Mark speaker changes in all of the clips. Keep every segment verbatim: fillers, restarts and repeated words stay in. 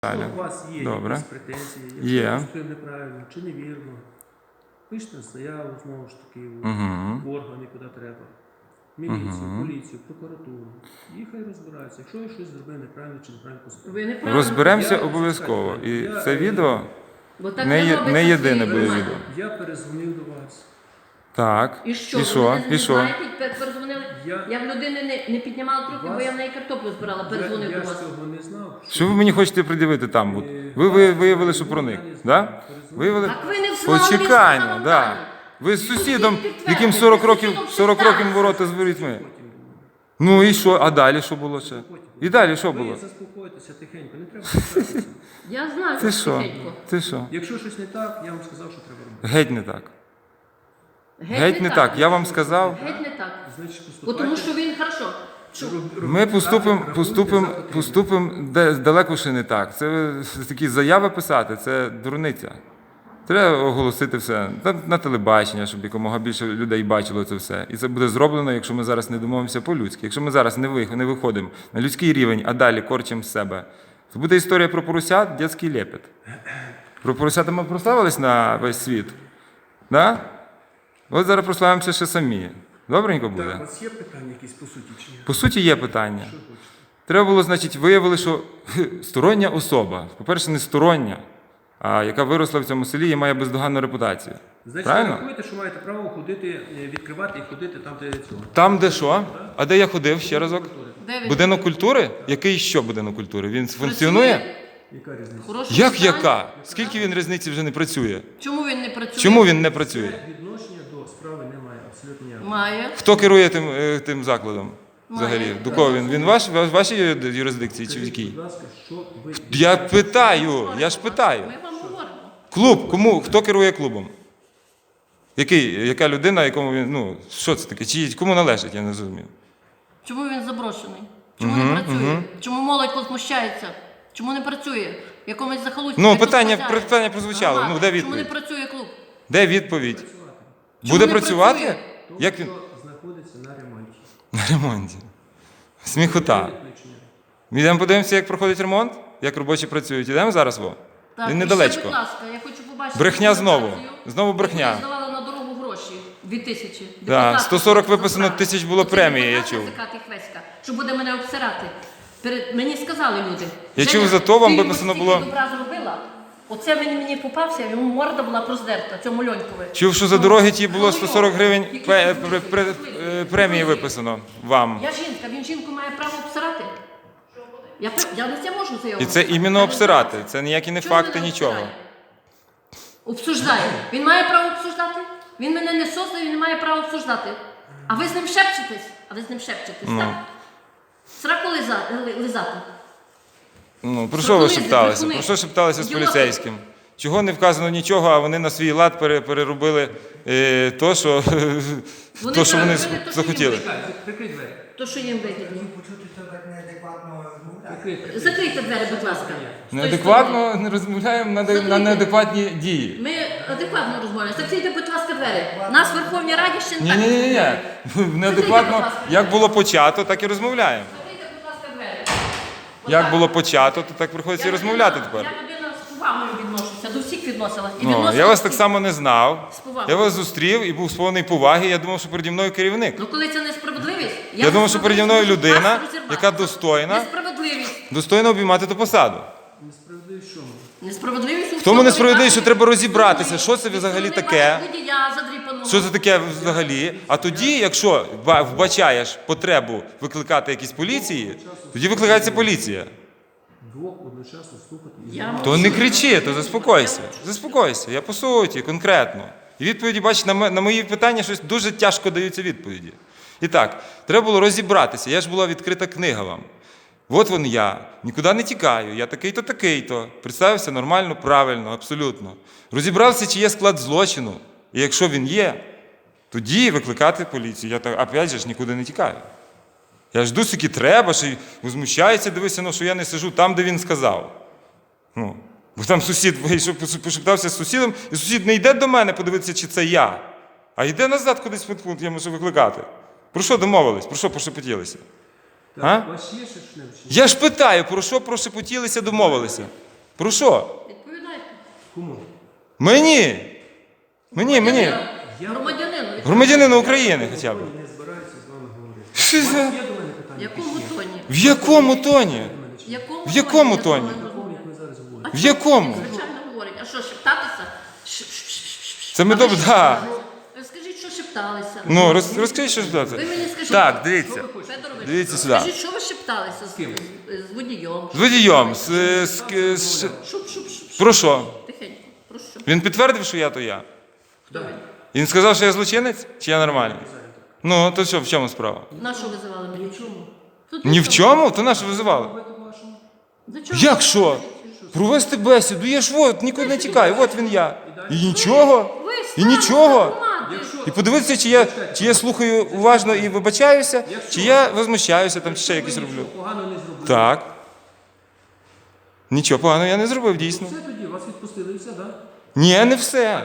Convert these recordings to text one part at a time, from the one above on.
Speaker 1: Якщо у вас є
Speaker 2: Добре.
Speaker 1: якісь претензії,
Speaker 2: Є.
Speaker 1: якщо поступив неправильно чи невірно, пишете заяву, знову ж таки,
Speaker 2: Мгм.
Speaker 1: в органи, куди треба. Міліцію,
Speaker 2: Мгм.
Speaker 1: поліцію, прокуратуру. І хай розбираються. Якщо я щось зробив неправильно чи неправильно поступив.
Speaker 3: Ви неправильно.
Speaker 2: Розберемося
Speaker 1: Я-
Speaker 2: обов'язково. І
Speaker 1: Я-
Speaker 2: це відео
Speaker 3: Бо так
Speaker 2: не є-
Speaker 3: робиться
Speaker 2: не
Speaker 3: в
Speaker 2: єдине
Speaker 3: цій
Speaker 2: буде
Speaker 3: громаді.
Speaker 2: відео.
Speaker 1: Я перезвонив до вас.
Speaker 2: так.
Speaker 3: І що?
Speaker 2: І що?
Speaker 3: Ви не
Speaker 2: І що?
Speaker 3: знаєте, пер- перезвонили?
Speaker 1: Я-
Speaker 3: Я в людини не, не піднімала трубки, бо
Speaker 1: Вас-
Speaker 3: я в неї картоплю збирала,
Speaker 1: Я,
Speaker 3: перезвонив
Speaker 1: я
Speaker 3: до
Speaker 1: ж
Speaker 3: вас.
Speaker 1: цього не знав.
Speaker 2: Що ви мені хочете пред'явити там? От? Ви, ви виявили, що проник. Да? Виявили?
Speaker 3: Так ви не знали, він
Speaker 2: Почекайно,
Speaker 3: сказав
Speaker 2: да.
Speaker 3: вам.
Speaker 2: Ви з сусідом,
Speaker 3: Сусід
Speaker 2: яким
Speaker 3: підтвердив,
Speaker 2: сорок
Speaker 3: ви
Speaker 2: років,
Speaker 3: сусідом
Speaker 2: сорок років
Speaker 3: шептався.
Speaker 2: ворота з ворітьми. Ну і що? А далі що було ще? І далі що було?
Speaker 1: Ви заспокойтеся тихенько, не треба писатися.
Speaker 3: Я знаю,
Speaker 2: Ти
Speaker 3: що
Speaker 2: що?
Speaker 3: тихенько.
Speaker 2: Ти що?
Speaker 1: Якщо щось не так, я вам сказав, що треба робити.
Speaker 2: Геть не так. Геть не так. Я вам сказав.
Speaker 3: Геть не так.
Speaker 1: Значить,
Speaker 3: Бо
Speaker 1: поступайте.
Speaker 3: тому що він, хорошо, що
Speaker 2: Ми поступимо, поступимо,
Speaker 1: поступимо.
Speaker 2: поступимо де- далеко ще не так. Це ви такі заяви писати, це дурниця. Треба оголосити все на, на телебачення, щоб якомога більше людей бачило це все. І це буде зроблено, якщо ми зараз не домовимося по-людськи. Якщо ми зараз не, ви, не виходимо на людський рівень, а далі корчимо з себе, то буде історія про поросят, дитячий лепет. Про поросята ми прославились на весь світ. Да? От зараз прославимося ще самі. Добренько буде?
Speaker 1: Так, у вас є питання якісь по суті чи ні?
Speaker 2: По суті, є питання.
Speaker 1: Що хочете?
Speaker 2: Треба було, значить, виявили, що хе, стороння особа, по-перше, не стороння, а яка виросла в цьому селі і має бездоганну репутацію.
Speaker 1: Значить,
Speaker 2: Правильно?
Speaker 1: ви рахуєте, що маєте право ходити, е, відкривати і ходити там, де цього.
Speaker 2: Там, де що? А де я ходив ще разок?
Speaker 3: де він
Speaker 2: Будинок культури? Який що будинок культури? Він функціонує?
Speaker 3: працює?
Speaker 1: Яка різниця?
Speaker 3: В хорошому
Speaker 2: Як
Speaker 3: стані?
Speaker 2: яка? Скільки він різниці вже не працює?
Speaker 3: Чому він не працює?
Speaker 2: Чому він не працює?
Speaker 1: Відношення до справи немає, абсолютно ніякого.
Speaker 3: Має.
Speaker 2: Хто керує тим, е, тим закладом? Взагалі?
Speaker 3: Має.
Speaker 2: До кого він? Він ваш, в вашій юрисдикції чи в
Speaker 1: Скажіть,
Speaker 2: якій?
Speaker 1: будь ласка, що ви...
Speaker 2: Я питаю, я ж питаю.
Speaker 3: Ми вам говоримо.
Speaker 2: Клуб, кому, хто керує клубом? Який, яка людина, якому він, ну, що це таке? Чи кому належить, я не зрозумів.
Speaker 3: Чому він заброшений? Чому не працює? Чому молодь возмущається? Чому не працює? В якомусь захолустці?
Speaker 2: Ну,
Speaker 3: Хай тут
Speaker 2: питання-
Speaker 3: спасає.
Speaker 2: питання прозвучало.
Speaker 3: Громада.
Speaker 2: Ну, де
Speaker 3: Чому не
Speaker 2: відповідь?
Speaker 3: працює клуб?
Speaker 2: Де відповідь?
Speaker 3: Чому
Speaker 2: Буде
Speaker 3: не
Speaker 2: працювати?
Speaker 3: працює?
Speaker 1: Тому
Speaker 2: Як він?
Speaker 1: що знаходиться на ремонті.
Speaker 2: На ремонті. Сміхота.
Speaker 1: Відключення.
Speaker 2: Ми йдемо подивимося, як проходить ремонт, як робочі працюють. Ідемо зараз, во?
Speaker 3: Так,
Speaker 2: Він
Speaker 3: і
Speaker 2: недалечко.
Speaker 3: ще, будь ласка, я хочу побачити
Speaker 2: Брехня знову.
Speaker 3: документацію,
Speaker 2: Знову брехня.
Speaker 3: яку ви здавали на дорогу гроші. Дві тисячі.
Speaker 2: Да,
Speaker 3: Депутати
Speaker 2: сто сорок
Speaker 3: хочуть
Speaker 2: виписано,
Speaker 3: забрати.
Speaker 2: тисяч було
Speaker 3: Оце
Speaker 2: премії, я
Speaker 3: депутат
Speaker 2: чув.
Speaker 3: язика Тихвеська, що буде мене обсирати. Перед... Мені сказали люди.
Speaker 2: Я
Speaker 3: Женя,
Speaker 2: чув, за то вам
Speaker 3: ти
Speaker 2: виписано
Speaker 3: стільки
Speaker 2: було-
Speaker 3: добра зробила. Оце він мені попався, йому морда була проздерта, цьому Льонькові.
Speaker 2: Чув, що за
Speaker 3: Ну,
Speaker 2: дороги ті було
Speaker 3: ну,
Speaker 2: сто сорок гривень
Speaker 3: які
Speaker 2: пе-
Speaker 3: щасливі,
Speaker 2: пре- пре-
Speaker 3: щасливі.
Speaker 2: е, премії виписано вам.
Speaker 3: Я жінка, він жінку має право обсирати. Я, пр- я на це можу заявити.
Speaker 2: І це іменно обсирати. Це ніякі не
Speaker 3: Чого
Speaker 2: факти,
Speaker 3: мене
Speaker 2: нічого.
Speaker 3: обсирає? Обсуждає. Він має право обсуждати. Він мене не создав, він не має права обсуждати. А ви з ним шепчетесь? А ви з ним шепчетесь,
Speaker 2: Ну.
Speaker 3: так? Сраку лиза- ли- лизати.
Speaker 2: Ну, про що ви
Speaker 3: Брехуни,
Speaker 2: шепталися?
Speaker 3: брехуни.
Speaker 2: Про що шепталися з
Speaker 3: Ідіоти.
Speaker 2: поліцейським? Чого не вказано нічого, а вони на свій лад пере- переробили е, то, що,
Speaker 3: Вони
Speaker 2: то, що вони
Speaker 3: переробили те, що
Speaker 2: захотіли.
Speaker 3: їм
Speaker 1: Так, прикрий двері.
Speaker 3: То, що їм вигідно.
Speaker 4: Почути, що так неадекватно розмовляти.
Speaker 1: Прикрий.
Speaker 3: Закрийте двері, будь ласка. З тої
Speaker 2: Неадекватно не розмовляємо на, де- на
Speaker 3: Закрийте.
Speaker 2: неадекватні дії.
Speaker 3: сторони. Ми адекватно розмовляємо. Закрийте, будь ласка, двері. Нас в Верховній Раді ще не
Speaker 2: Ні,
Speaker 3: так.
Speaker 2: ні, ні, ні. Неадекватно,
Speaker 3: будь ласка.
Speaker 2: як було почато, так і розмовляємо.
Speaker 3: Закрийте, будь ласка, двері.
Speaker 2: Як
Speaker 3: Отак.
Speaker 2: було почато, то так приходиться і
Speaker 3: Я
Speaker 2: розмовляти
Speaker 3: людина-
Speaker 2: тепер.
Speaker 3: Я людина з повагою відношуся, до всіх відносилась. І
Speaker 2: Ну,
Speaker 3: відносилась
Speaker 2: я вас
Speaker 3: до
Speaker 2: так
Speaker 3: всіх.
Speaker 2: само не знав.
Speaker 3: З повагою.
Speaker 2: Я вас зустрів і був сповнений поваги. Я думав, що переді мною керівник.
Speaker 3: Ну коли це несправедливість,
Speaker 2: Я думав, що переді мною
Speaker 3: можу
Speaker 2: людина,
Speaker 3: вас розірвати.
Speaker 2: яка достойна.
Speaker 3: Несправедливість.
Speaker 2: Достойно обіймати ту посаду.
Speaker 1: Несправедливість в чому?
Speaker 3: Несправедливість у
Speaker 2: В тому
Speaker 3: всьому
Speaker 2: несправедливість, що
Speaker 3: винуватий.
Speaker 2: треба розібратися, що це
Speaker 3: Від
Speaker 2: взагалі
Speaker 3: сторони
Speaker 2: таке.
Speaker 3: вашого водія задріпаного.
Speaker 2: Що це таке взагалі? А тоді, якщо ба- вбачаєш потребу викликати якісь поліції, тоді викликається поліція.
Speaker 1: Двох одночасно слухати і
Speaker 3: Я
Speaker 2: То
Speaker 3: мовчу.
Speaker 2: не кричи, то заспокойся. Заспокойся, я по суті, конкретно. І відповіді, бачиш, на, ме- на мої питання щось дуже тяжко даються відповіді. І так, треба було розібратися. Я ж була відкрита книга вам. От вон я, нікуди не тікаю, я такий-то, такий-то. Представився нормально, правильно, абсолютно. Розібрався, чи є склад злочину. І якщо він є, тоді викликати поліцію. Я так, опять же ж, нікуди не тікаю. Я жду, скільки треба, що й возмущається, дивися, ну, що я не сижу там, де він сказав. Ну, бо там сусід вийшов, пошептався з сусідом, і сусід не йде до мене подивитися, чи це я, а йде назад кудись в пункт, я можу викликати. Про що домовились? Про що пошепотілися?
Speaker 1: Так,
Speaker 2: А?
Speaker 1: у вас є ще що-небудь?
Speaker 2: Я ж питаю, про що прошепотілися, домовилися? Про що?
Speaker 3: Відповідайте.
Speaker 1: Кому?
Speaker 2: Мені! Мені, мені.
Speaker 3: Громадянину.
Speaker 2: Громадянину України хоча б.
Speaker 1: Не збираюся з вами говорити.
Speaker 2: Що
Speaker 1: У вас
Speaker 2: за-
Speaker 1: є до мене
Speaker 3: В
Speaker 1: питання?
Speaker 3: якому
Speaker 1: якісь є?
Speaker 3: тоні?
Speaker 2: В якому тоні?
Speaker 3: В якому
Speaker 2: В якому
Speaker 3: я з
Speaker 2: тоні?
Speaker 3: вами
Speaker 1: Такому,
Speaker 3: розмовляю?
Speaker 1: як ми зараз говоримо.
Speaker 3: А
Speaker 2: В
Speaker 3: чому?
Speaker 2: якому?
Speaker 3: Звичайно говорить. А що, шептатися? Ш- ш- ш- ш-
Speaker 2: Це ми
Speaker 3: А ви
Speaker 2: добре,
Speaker 3: що
Speaker 2: да.
Speaker 3: шепталися? Ви Скажіть, що шепталися.
Speaker 2: Ну, роз, розкажіть, що ж
Speaker 3: Ви
Speaker 2: це.
Speaker 3: мені скажіть.
Speaker 2: Так, дивіться.
Speaker 3: Федорович,
Speaker 2: Дивіться сюди.
Speaker 3: скажіть, що ви шепталися з,
Speaker 1: ким?
Speaker 3: з, з водієм?
Speaker 2: З водієм. З, з, з, з-
Speaker 3: Шуп, шуп, шуп.
Speaker 2: Про що?
Speaker 3: Тихенько. Про що?
Speaker 2: Він підтвердив, що я то я.
Speaker 3: Хто він?
Speaker 2: Він сказав, що я злочинець, чи я нормальний? Ну, то що, в чому справа?
Speaker 3: На що визивали мене?
Speaker 1: В чому?
Speaker 3: Тут
Speaker 2: Ні в
Speaker 3: нічого.
Speaker 2: чому? То на що визивали?
Speaker 1: Ви то вашому?
Speaker 3: За чого?
Speaker 2: Як що? Провести бесіду, я ж от, нікуди не тікаю, от він я. І нічого.
Speaker 3: Ви
Speaker 2: І
Speaker 3: стали
Speaker 2: нічого.
Speaker 3: громади.
Speaker 2: І подивитися, чи я, чи я слухаю уважно і вибачаюся, чи я возмущаюся там, чи ще якось
Speaker 1: Ви
Speaker 2: роблю.
Speaker 1: нічого погано не зробили.
Speaker 2: Так. Нічого поганого я не зробив, дійсно.
Speaker 1: Все тоді, вас відпустили і все, так?
Speaker 2: Ні, не все.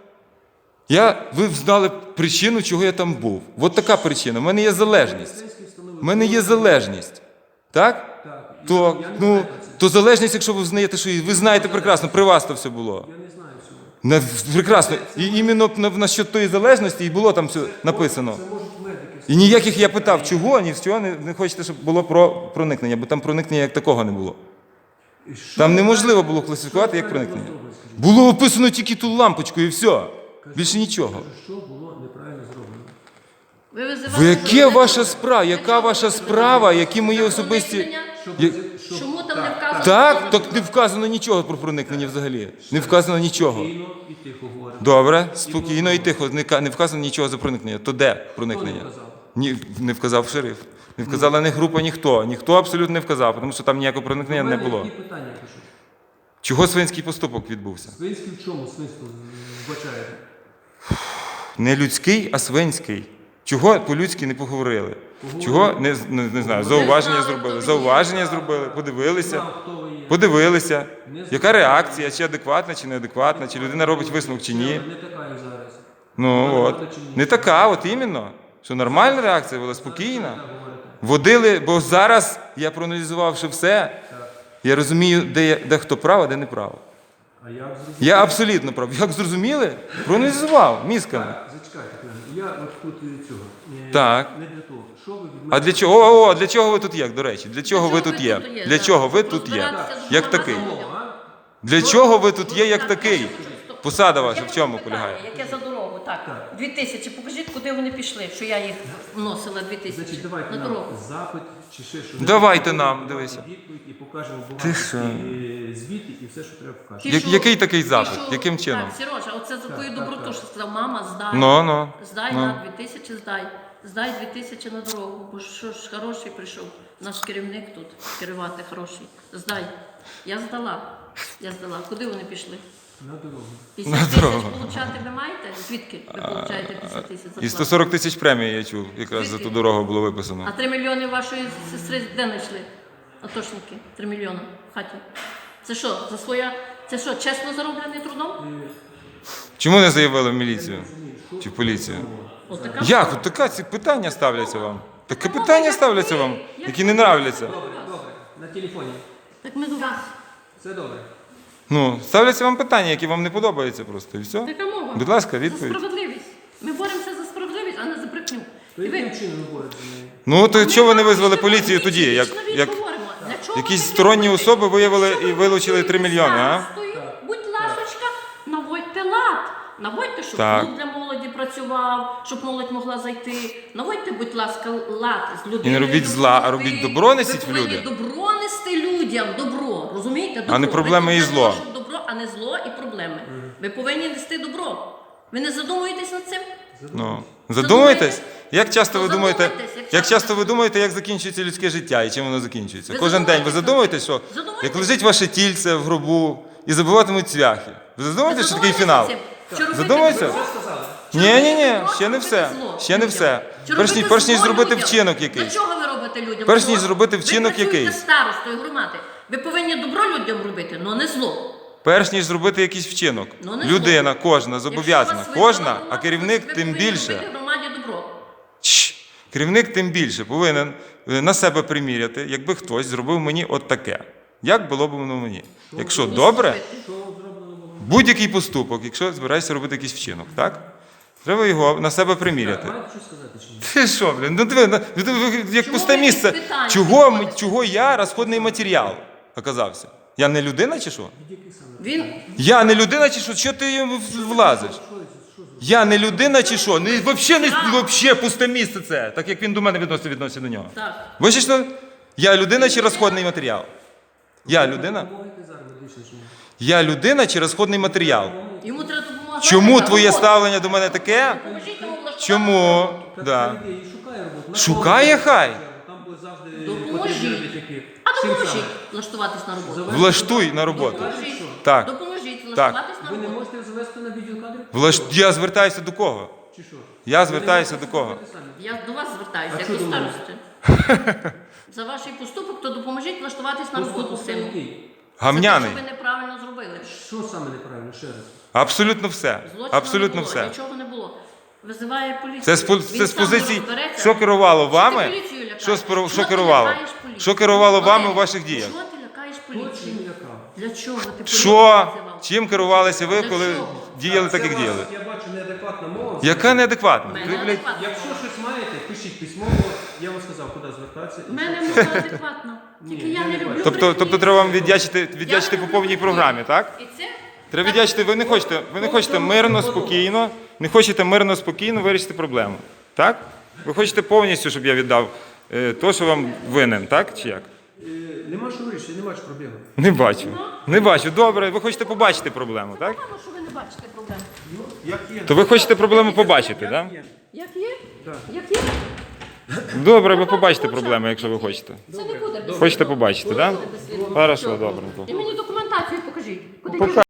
Speaker 2: Я, ви знали причину, чого я там був. От така причина. У мене є залежність. У мене є залежність. Так?
Speaker 1: Так.
Speaker 2: То,
Speaker 1: Я не
Speaker 2: ну,
Speaker 1: знаю про це.
Speaker 2: то залежність, якщо ви взнаєте, що і ви знаєте прекрасно, при вас то все було.
Speaker 1: Я не знаю всього.
Speaker 2: На, прекрасно. І іменно на, на що тої залежності і було там все написано.
Speaker 1: Це можуть медики.
Speaker 2: І ніяких я питав, чого, ні з чого не, не хочете, щоб було про проникнення, бо там проникнення як такого не було.
Speaker 1: І що
Speaker 2: Там
Speaker 1: ви
Speaker 2: неможливо
Speaker 1: правильно-
Speaker 2: було класифікувати як
Speaker 1: що ви правильно
Speaker 2: проникнення.
Speaker 1: зробили, скажіть?
Speaker 2: Було описано тільки ту лампочку і все. Більше нічого.
Speaker 1: Що було неправильно зроблено?
Speaker 3: Ви визивали
Speaker 2: Ви яке
Speaker 3: журналістів.
Speaker 2: ваша справа? Яка
Speaker 3: Для чого
Speaker 2: ваша
Speaker 3: ви
Speaker 2: справа?
Speaker 3: визивали?
Speaker 2: Які мої
Speaker 3: Для
Speaker 2: особисті.
Speaker 3: проникнення?
Speaker 2: Я-
Speaker 1: Щоб-
Speaker 3: Чому там
Speaker 1: так,
Speaker 3: не вказано?
Speaker 2: Так, так не вказано нічого про проникнення взагалі. Не вказано нічого.
Speaker 1: Спокійно і тихо говоримо.
Speaker 2: Добре, спокійно і тихо. Не ка- не вказано нічого за проникнення. То де проникнення?
Speaker 1: Хто не вказав?
Speaker 2: Ні, не вказав шериф. Не вказала ні група, ніхто. Ніхто абсолютно не вказав, тому що там ніякого проникнення
Speaker 1: У
Speaker 2: не
Speaker 1: мене
Speaker 2: було.
Speaker 1: Які питання пишу?
Speaker 2: Чого свинський поступок відбувся?
Speaker 1: Свинський в чому свинство вбачаєте?
Speaker 2: Не людський, а свинський. Чого по-людськи не поговорили? Чого не, не, не знаю, зауваження зробили? Зауваження зробили, подивилися,
Speaker 1: Знав, хто ви є.
Speaker 2: подивилися. Яка реакція, чи адекватна, чи неадекватна, чи людина робить висновок, чи ні.
Speaker 1: Не така, як зараз.
Speaker 2: Ну от. Не така, от іменно. Що нормальна реакція була спокійна. Водили, бо зараз я проаналізувавши все, я розумію, де, я- де хто прав, а де не прав.
Speaker 1: А я зрозумів.
Speaker 2: Я абсолютно прав. Як зрозуміли? Проаналізував мізками.
Speaker 1: Так, зачекайте, Клен. Я от тут і цього. Е,
Speaker 2: Так.
Speaker 1: Не для того. Що ви від
Speaker 2: А
Speaker 1: мене?
Speaker 2: для чого? О, о, для чого ви тут є, до речі? Для чого ви тут є? Для
Speaker 3: да.
Speaker 2: чого ви тут є?
Speaker 3: Розбиратися з
Speaker 2: Як
Speaker 3: журналістами.
Speaker 2: такий?
Speaker 1: О, а?
Speaker 2: Для чого ви тут є як такий? Посада ваша в чому полягає?
Speaker 3: Яке за дорогу? Так, дві тисячі. Покажіть, куди вони пішли, що я їх вносила дві тисячі
Speaker 1: Значить, давайте
Speaker 3: на
Speaker 1: нам
Speaker 3: дорогу.
Speaker 1: запит чи ще щось.
Speaker 2: Давайте нам, дивися.
Speaker 1: Відповідь і покажемо
Speaker 2: Ти
Speaker 1: бумажки,
Speaker 2: що?
Speaker 1: і звіти і все, що треба покажемо.
Speaker 3: Ті,
Speaker 2: Я-
Speaker 3: що-
Speaker 2: який такий
Speaker 3: ті,
Speaker 2: запит?
Speaker 3: що-
Speaker 2: Яким чином?
Speaker 3: Так, Сережа, оце за твою
Speaker 1: так,
Speaker 3: доброту,
Speaker 1: так.
Speaker 3: що сказав, мама, здай.
Speaker 2: Ну, ну.
Speaker 3: Здай
Speaker 2: ну.
Speaker 3: на дві тисячі, здай. Здай дві тисячі на дорогу, бо що ж хороший прийшов. Наш керівник тут, керувати хороший. Здай. Я здала. Я здала. Куди вони пішли?
Speaker 1: На дорогу.
Speaker 3: п'ятдесят
Speaker 2: На
Speaker 3: тисяч
Speaker 2: дорогу.
Speaker 3: получати ви маєте? Звідки ви получаєте п'ятдесят тисяч зарплати?
Speaker 2: І сто сорок тисяч премій я чув, якраз за ту дорогу було
Speaker 3: А
Speaker 2: виписано.
Speaker 3: три мільйони вашої сестри де знайшли? Атошники. Три мільйони в хаті. Це що, за своя. Це що, чесно зароблений трудом?
Speaker 2: Чому не заявили в міліцію? Чи в поліцію?
Speaker 3: Отака.
Speaker 2: Як? От така ці питання ставляться вам. Таке питання ставляться вам, які не нравляться.
Speaker 1: Добре, добре. На телефоні.
Speaker 3: Так ми до вас.
Speaker 1: Все добре.
Speaker 2: Ну, ставляться вам питання, які вам не подобаються просто. І все.
Speaker 3: Така мова.
Speaker 2: Будь ласка,
Speaker 3: За
Speaker 2: відповідь.
Speaker 3: справедливість. Ми боремося за справедливість, а не за брехню.
Speaker 1: То
Speaker 3: І ви-
Speaker 1: яким чином ви боретеся з нею?
Speaker 2: Ну, то
Speaker 3: Ми
Speaker 2: чого ви не
Speaker 3: вам
Speaker 2: визвали
Speaker 3: ще
Speaker 2: поліцію
Speaker 3: раз
Speaker 2: тоді? Як,
Speaker 3: вічно
Speaker 2: як
Speaker 3: відговоримо. Для чого
Speaker 2: якісь
Speaker 3: ви таке
Speaker 2: сторонні
Speaker 3: робите?
Speaker 2: особи виявили
Speaker 3: Якщо
Speaker 2: і
Speaker 3: ви
Speaker 2: вилучили три
Speaker 3: працюєте
Speaker 2: мільйони, а?
Speaker 3: старостою, будь ласочка, наводьте лад. Наводьте, щоб
Speaker 2: Так.
Speaker 3: клуб для молоді працював, щоб молодь могла зайти. Наводьте, будь ласка, лад з людьми.
Speaker 2: І не робіть зла, а робіть добро несіть в
Speaker 3: Ви
Speaker 2: люди.
Speaker 3: повинні добро нести людям, добро, розумієте? Добро.
Speaker 2: А не проблеми
Speaker 3: Ви
Speaker 2: і
Speaker 3: тут для
Speaker 2: зло.
Speaker 3: того, щоб добро, а не зло і проблеми. Ви повинні нести добро. Ви не задумуєтесь над цим?
Speaker 2: Ну, задумайтесь, як часто ви
Speaker 3: Ну,
Speaker 2: думаєте,
Speaker 3: задумайтесь, як
Speaker 2: як
Speaker 3: часто.
Speaker 2: часто ви думаєте, як закінчується людське життя і чим воно закінчується?
Speaker 3: Ви
Speaker 2: Кожен день ви
Speaker 3: задумайтесь
Speaker 2: задумуєтесь, що
Speaker 3: над цим. Задумайтесь.
Speaker 2: як лежить ваше тільце в гробу і забиватимуть цвяхи. Ви задумуєтесь, що такий фінал? Задумайся. Ні, ні, ні, ще не все. Ще не все. Перш ніж, перш ніж зробити вчинок
Speaker 3: Для
Speaker 2: якийсь.
Speaker 3: чого ви робите людям?
Speaker 2: Перш
Speaker 3: зло?
Speaker 2: ніж зробити вчинок
Speaker 3: Ви працюєте
Speaker 2: якийсь.
Speaker 3: старостою громади. Ви повинні добро людям робити, але не зло.
Speaker 2: Перш ніж зробити якийсь вчинок.
Speaker 3: Ну, не
Speaker 2: Людина,
Speaker 3: зло.
Speaker 2: кожна, зобов'язана.
Speaker 3: Якщо вас
Speaker 2: Кожна,
Speaker 3: вибрала
Speaker 2: а керівник
Speaker 3: громада,
Speaker 2: тим
Speaker 3: ви повинні
Speaker 2: більше.
Speaker 3: робити громаді добро.
Speaker 2: Чш. Керівник тим більше повинен е, на себе приміряти, якби хтось зробив мені от таке. Як було б воно мені? Якщо
Speaker 3: І
Speaker 2: добре,
Speaker 3: зробити.
Speaker 1: Що зроблено було?
Speaker 2: будь-який поступок, якщо збираєшся робити якийсь вчинок, так? Треба його на себе приміряти.
Speaker 1: Маєте щось сказати чи ні?
Speaker 2: Ти що, блін? Ну диви, ну, ви- ви- як
Speaker 3: Чому
Speaker 2: пусте
Speaker 3: ви
Speaker 2: місце.
Speaker 3: питання
Speaker 2: Чого, ми-
Speaker 3: підходите?
Speaker 2: чого я розходний матеріал оказався? Я не людина чи що?
Speaker 3: Він
Speaker 2: Я не людина чи що? Чого ти йому влазиш? Я не людина чи що? Не, вообще, не, вообще пусте місце це, так як він до мене відноситься, відноситься до нього.
Speaker 3: так.
Speaker 2: Ви ж що? Я людина чи розходний матеріал? Я людина?
Speaker 1: Допомогти зараз медично чи ні?
Speaker 2: Я людина чи розходний матеріал?
Speaker 3: Йому треба допомагати.
Speaker 2: Чому
Speaker 3: на
Speaker 2: твоє
Speaker 3: роботу.
Speaker 2: ставлення до мене таке?
Speaker 3: Допоможіть йому влаштувати
Speaker 2: Чому?
Speaker 1: Так,
Speaker 2: Да.
Speaker 1: та йди і шукає роботу. На
Speaker 2: Шукає
Speaker 1: кого?
Speaker 2: хай.
Speaker 1: Там були завжди
Speaker 3: Допоможіть.
Speaker 1: потрібні робітники.
Speaker 3: А
Speaker 1: Чим
Speaker 3: допоможіть
Speaker 1: саме?
Speaker 3: влаштуватись на роботу.
Speaker 1: Завести
Speaker 2: Влаштуй
Speaker 1: туди.
Speaker 2: на роботу.
Speaker 3: Допоможіть.
Speaker 2: Так.
Speaker 3: Допоможіть влаштуватись на
Speaker 1: Ви не
Speaker 3: роботу.
Speaker 1: можете завести на відділ кадрів?
Speaker 2: Влаш... Я звертаюся до кого?
Speaker 1: Чи що?
Speaker 2: Я
Speaker 1: Ви
Speaker 2: звертаюся
Speaker 1: не
Speaker 2: до
Speaker 1: можете
Speaker 2: кого?
Speaker 1: зробити самі?
Speaker 3: Я до вас звертаюся,
Speaker 1: А
Speaker 3: як
Speaker 1: що
Speaker 3: до
Speaker 1: до мене?
Speaker 3: старости. За ваш поступок, то допоможіть влаштуватись на роботу
Speaker 1: Поступок
Speaker 3: сину.
Speaker 1: який?
Speaker 2: Гамняний.
Speaker 3: Це те, що ви неправильно зробили.
Speaker 1: Що саме неправильно? Ще раз.
Speaker 2: Абсолютно все.
Speaker 3: Злочину
Speaker 2: Абсолютно
Speaker 3: не було,
Speaker 2: все.
Speaker 3: нічого не було. Визиває поліцію.
Speaker 2: Це з, по-
Speaker 3: Він
Speaker 2: це з
Speaker 3: сам
Speaker 2: позиції,
Speaker 3: розбереться.
Speaker 2: що керувало
Speaker 3: Що ти
Speaker 2: вами?
Speaker 3: поліцію лякаєш?
Speaker 2: Що, спро- що
Speaker 3: Чого ти
Speaker 2: керувало?
Speaker 3: лякаєш поліцію?
Speaker 2: Що керувало вами
Speaker 3: Олег,
Speaker 2: у ваших діях?
Speaker 3: Чого ти лякаєш
Speaker 1: Хто чим
Speaker 3: поліцію?
Speaker 1: лякав?
Speaker 3: Для чого ти поліцію
Speaker 2: Що?
Speaker 3: визивав?
Speaker 2: Чим керувалися ви,
Speaker 3: Для
Speaker 2: коли
Speaker 3: чого?
Speaker 2: діяли так,
Speaker 1: Це
Speaker 2: як
Speaker 1: у вас,
Speaker 2: діяли?
Speaker 1: Я бачу неадекватна мова.
Speaker 2: Яка неадекватна?
Speaker 3: Мене
Speaker 2: Ви, блядь,
Speaker 3: адекватно.
Speaker 1: Якщо щось маєте, пишіть письмово. Я вам сказав, куди звертатися.
Speaker 3: У мене мова адекватна. Тільки
Speaker 1: Ні,
Speaker 3: я
Speaker 1: я
Speaker 3: не
Speaker 1: не
Speaker 3: люблю
Speaker 1: бачу.
Speaker 2: Тобто,
Speaker 3: брехні.
Speaker 2: тобто треба вам віддячити, віддячити
Speaker 3: Я
Speaker 2: по
Speaker 3: не
Speaker 2: повній
Speaker 3: люблю
Speaker 2: програмі,
Speaker 3: брехні.
Speaker 2: так?
Speaker 3: І це
Speaker 2: Треба віддячити, ви не хочете, ви не хочете мирно, спокійно, не хочете мирно, спокійно вирішити проблему. Так? Ви хочете повністю, щоб я віддав е, то, що вам винен, так? Чи як?
Speaker 1: Е, Нема що вирішити, нема що проблеми.
Speaker 2: Не бачу. Не бачу. Добре, ви хочете побачити проблему, так?
Speaker 3: погано, що ви не бачите проблем.
Speaker 1: Як є?
Speaker 2: То ви хочете проблему побачити, так?
Speaker 3: Як є?
Speaker 1: Так.
Speaker 3: Як є?
Speaker 2: Добре, ви побачите проблему, якщо ви хочете.
Speaker 3: Це не буде без
Speaker 2: Хочете побачити, так?
Speaker 3: Це не буде без сліду.
Speaker 2: Хорошо, добренько.
Speaker 3: І мені документацію покажіть. Куди
Speaker 2: Пока-